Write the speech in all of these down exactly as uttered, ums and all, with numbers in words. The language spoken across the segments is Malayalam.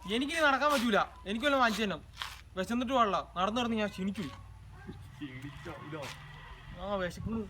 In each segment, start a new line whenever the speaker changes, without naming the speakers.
എനിക്കിനി നടക്കാൻ പറ്റൂല. എനിക്ക് വല്ല വാങ്ങിച്ചു തന്നെ. വിശന്നിട്ട് പാടില്ല. നടന്നു നടന്ന് ഞാൻ ക്ഷീണിച്ചു. ആ വിശക്കുന്നു.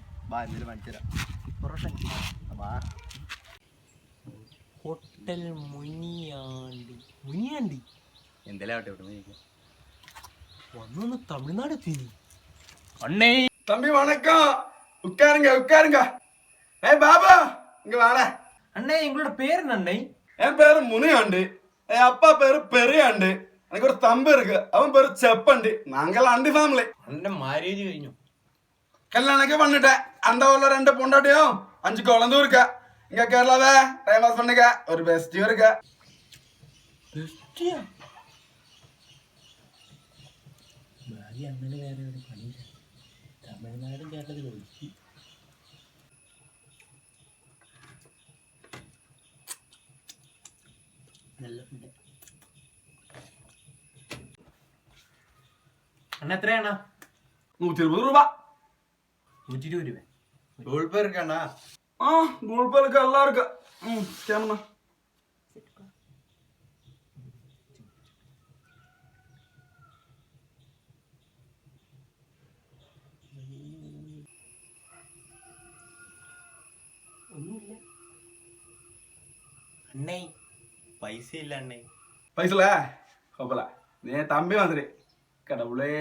ഹോട്ടൽ മുനിയാണ്ടി. മുനിയാണ്ടി
എന്തെല്ലാം
വന്നു തമിഴ്നാട് എത്തി.
அண்ணே
தம்பி வணக்கம். உட்காருங்க உட்காருங்க. ஏ பாபா இங்க வாடா.
அண்ணே எங்களோட பேர் என்ன அண்ணே?
என் பேரு முனியாண்டு. என் அப்பா பேரு பெரியாண்டு. எனக்கு ஒரு தம்பி இருக்கு, அவன் பேரு செப்பண்டி. நாங்கெல்லாம் அண்டி ஃபேமிலி.
അന്റെ മാരേജ് കഴിഞ്ഞു?
கல்யாணக்கே பண்ணிட்டேன். அந்த ஊர்ல ரெண்டு பொண்டாட்டியும் அஞ்சு குழந்தையும் இருக்கா. இங்க கேரளாவே டைம் பாஸ் பண்ணுங்க. ஒரு பெஸ்டியும் இருக்கா.
ബെസ്റ്റിയാ? ഭാര്യ അങ്ങനെ വേറെ ഒരു പണിയില്ല. തമിഴ്നാടും കേരളത്തിൽ ഒഴിച്ച് നല്ല ഫുഡ്. അണ്ണ എത്രയാണ്?
நூத்தி இருபது ரூபா.
നൂറ്റി ഇരുപത് രൂപ.
ഗൂഗിൾ പേ இருக்கா?
ஆ கூகுள் பே இருக்கு, எல்லாம் இருக்கு. ம் கேமண்ணா.
ഒന്നുമില്ല അണ്ണേ,
പൈസ ഇല്ല അണ്ണേ.
பைசல கோபல நீ தம்பி மாதிரி கடவுளே.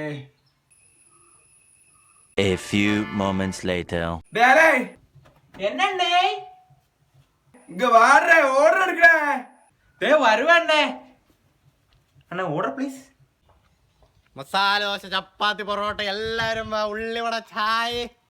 A few moments later.
டேலே
എന്നണ്ണേ?
இங்க வாடுற, ஓர்டர் எடுக்கற.
ദേ വരുവണ്ണേ. അണ്ണ ഓർഡർ പ്ലീസ്.
മസാല ദോശ, ചപ്പാത്തി, പൊറോട്ട, എല്ലാരും ഉള്ളിവട, ചായ.